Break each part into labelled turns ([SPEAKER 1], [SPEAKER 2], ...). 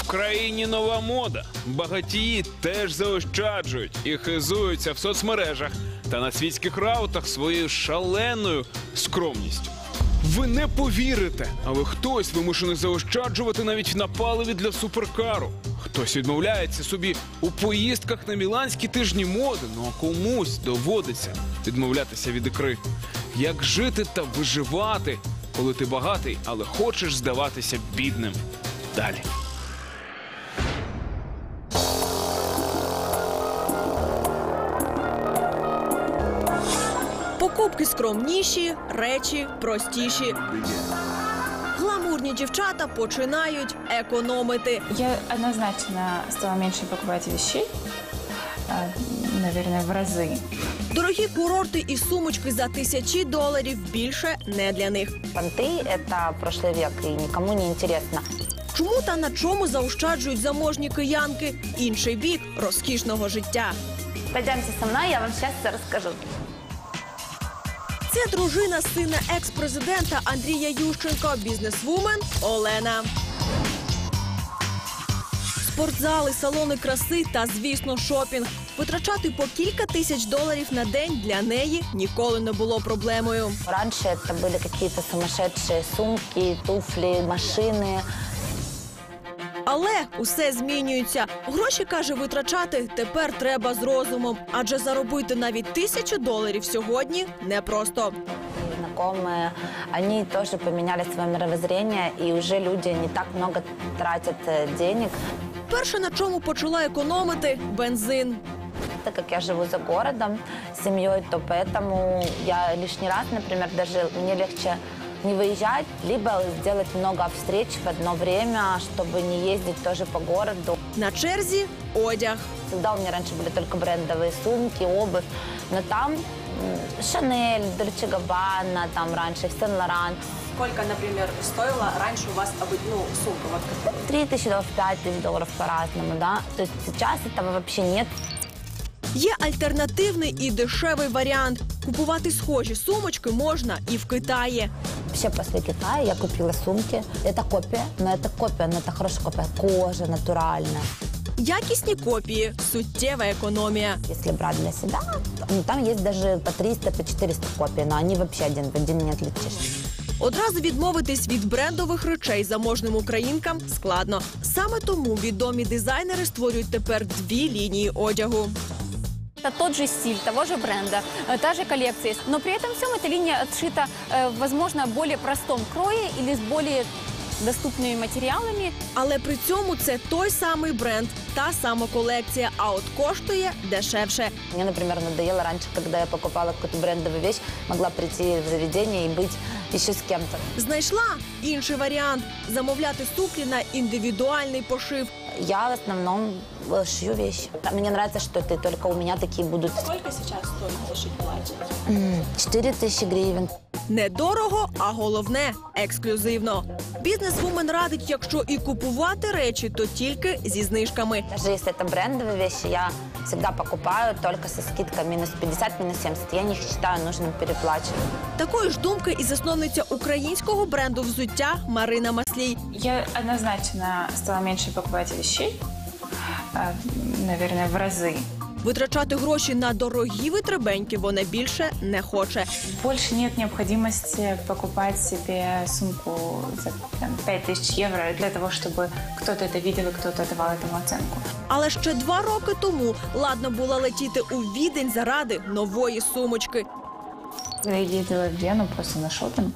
[SPEAKER 1] В країні нова мода. Багатії теж заощаджують і хизуються в соцмережах та на світських раутах своєю шаленою скромністю. Ви не повірите, але хтось вимушений заощаджувати навіть на паливі для суперкару. Хтось відмовляється собі у поїздках на міланські тижні моди, ну а комусь доводиться відмовлятися від ікри. Як жити та виживати, коли ти багатий, але хочеш здаватися бідним? Далі.
[SPEAKER 2] Покупки скромніші, речі простіші. Гламурні дівчата починають економити.
[SPEAKER 3] Я однозначно стала меньше покупать вещей, наверное, в разы.
[SPEAKER 2] Дорогі курорти і сумочки за $1000 більше не для них.
[SPEAKER 4] Понты – это прошлый век, и никому не интересно.
[SPEAKER 2] Чому та на чому заощаджують заможні киянки? Інший бік розкішного життя.
[SPEAKER 4] Пойдемте со мной, я вам сейчас все расскажу.
[SPEAKER 2] Це дружина сина екс-президента Андрія Ющенка, бізнесвумен Олена. Спортзали, салони краси та, звісно, шопінг. Витрачати по кілька $1000 на день для неї ніколи не було проблемою.
[SPEAKER 4] Раньше это были какие-то сумасшедшие сумки, туфли, машины.
[SPEAKER 2] Але усе змінюється. Гроші, каже, витрачати тепер треба з розумом. Адже заробити навіть $1000 сьогодні непросто.
[SPEAKER 4] Знакомые, они тоже поменяли свое мировоззрение, и уже люди не так много тратят денег.
[SPEAKER 2] Перше, на чому почала економити – бензин.
[SPEAKER 4] Так как я живу за городом с семьей, то поэтому я лишний раз, например, даже мне легче не выезжать, либо сделать много встреч в одно время, чтобы не ездить тоже по городу.
[SPEAKER 2] На черзі – одяг.
[SPEAKER 4] Всегда у меня раньше были только брендовые сумки, обувь, но там Шанель, Дольче Габбана, там раньше, Сен-Лоран.
[SPEAKER 2] Сколько, например, стоила раньше у вас сумка? Вот
[SPEAKER 4] $3000, $5000 по-разному, да. То есть сейчас этого вообще нет.
[SPEAKER 2] Є альтернативний і дешевий варіант. Купувати схожі сумочки можна і в Китаї.
[SPEAKER 4] Вообще после Китая я купила сумки. Это копия, но это хорошая копия. Кожа натуральная.
[SPEAKER 2] Якісні копії – суттєва економія.
[SPEAKER 4] Если брать для себя, там есть даже по 300, по 400 копий, но они вообще один в один не отличишь.
[SPEAKER 2] Одразу відмовитись від брендових речей заможним українкам складно. Саме тому відомі дизайнери створюють тепер дві лінії одягу.
[SPEAKER 5] Это тот же стиль, того же бренда, та же коллекция. Но при этом всем эта линия отшита, возможно, в более простом крое или с более доступными материалами.
[SPEAKER 2] Але при цьому це той самий бренд, та сама колекція, а от коштує дешевше.
[SPEAKER 4] Мне, например, надоело раньше, когда я покупала какую-то брендовую вещь, могла прийти в заведение и быть еще с кем-то.
[SPEAKER 2] Знайшла інший варіант – замовляти сукні на індивідуальний пошив.
[SPEAKER 4] Я в основном шью вещи. Мне нравится, что это только у меня такие будут.
[SPEAKER 2] Сколько сейчас стоит зашить платье?
[SPEAKER 4] 4000 гривен.
[SPEAKER 2] Недорого, а головне – ексклюзивно. Бізнесвумен радить, якщо і купувати речі, то тільки зі знижками.
[SPEAKER 4] Даже если это брендовые вещи, я всегда покупаю только со скидкой минус 50, минус 70. Я не считаю нужным переплачивать.
[SPEAKER 2] Такої ж думки і засновниця українського бренду взуття Марина Маслій.
[SPEAKER 3] Я однозначно стала меньше покупать вещей, наверное, в разы.
[SPEAKER 2] Витрачати гроші на дорогі витребеньки вона більше не хоче.
[SPEAKER 3] Больше нет необходимости покупать себе сумку за 5000 евро для того, чтобы кто-то это видел и кто-то давал этому оценку.
[SPEAKER 2] Але ще 2 роки тому ладно було летіти у Відень заради нової сумочки.
[SPEAKER 3] Я ездила в Вену просто на шопинг,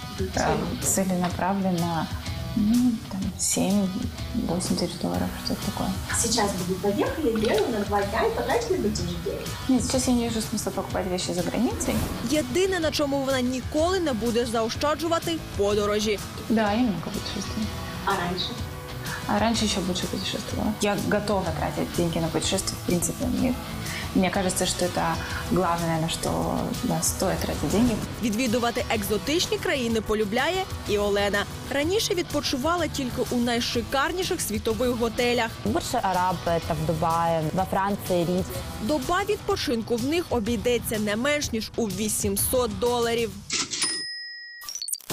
[SPEAKER 3] целенаправленно, 7-8 тысяч долларов, что-то такое.
[SPEAKER 6] Сейчас бы вы поехали в Вену на 2 дня и потратили бы те же деньги?
[SPEAKER 3] Нет, сейчас я не вижу смысла покупать вещи за границей.
[SPEAKER 2] Єдине, на чому вона ніколи не буде заощаджувати – подорожі.
[SPEAKER 3] Да, я много путешествую.
[SPEAKER 6] А раньше?
[SPEAKER 3] А раньше еще больше путешествовала. Я готова тратить деньги на путешествия, в принципе. Мне кажется, что это главное, на что стоит тратить деньги.
[SPEAKER 2] Відвідувати екзотичні країни полюбляє і Олена. Раніше відпочивала тільки у найшикарніших світових готелях.
[SPEAKER 4] Больше арабы, это в Дубае, во Франции, Рид.
[SPEAKER 2] Доба відпочинку в них обійдеться не менш ніж у $800.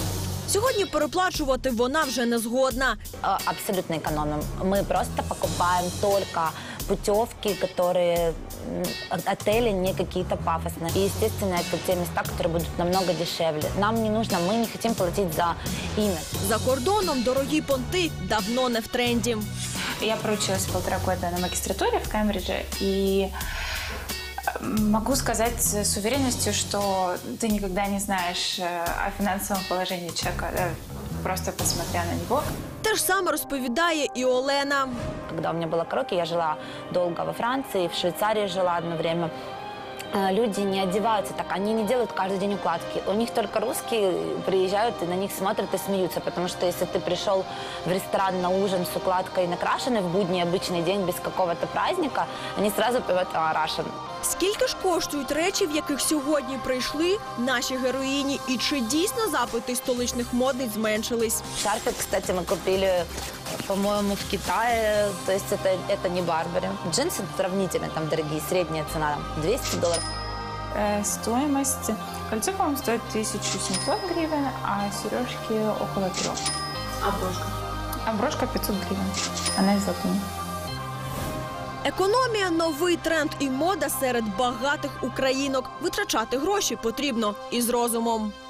[SPEAKER 2] Сьогодні переплачувати вона вже не згодна.
[SPEAKER 4] Абсолютно экономим. Мы просто покупаем только путевки, которые отели не какие-то пафосные. И, естественно, это те места, которые будут намного дешевле. Нам не нужно, мы не хотим платить за имя.
[SPEAKER 2] За кордоном дорогі понти давно не в тренді.
[SPEAKER 3] Я проучилась 1,5 года на магистратуре в Кембридже, и могу сказать с уверенностью, что ты никогда не знаешь о финансовом положении человека, просто посмотря на него.
[SPEAKER 2] Те ж саме розповідає і Олена.
[SPEAKER 4] Когда у меня была караоке, я жила долго во Франции, в Швейцарии жила одно время. Люди не одеваются так, они не делают каждый день укладки. У них только русские приезжают и на них смотрят и смеются, потому что если ты пришел в ресторан на ужин с укладкой накрашенной в будний обычный день без какого-то праздника, они сразу поют Russian.
[SPEAKER 2] Скільки ж коштують речі, в яких сьогодні прийшли наші героїні? І чи дійсно запити столичних модниць зменшились?
[SPEAKER 4] Шарфик, кстати, мы купили, по-моему, в Китае, то есть это не Барбари. Джинсы сравнительно там дорогие, средняя цена там, $200.
[SPEAKER 3] Стоимость кольцо, по-моему, стоит 1700 гривен, а сережки около 3.
[SPEAKER 6] А брошка?
[SPEAKER 3] А брошка 500 гривен. Она из латуни.
[SPEAKER 2] Економія – новий тренд і мода серед багатих українок. Витрачати гроші потрібно із розумом.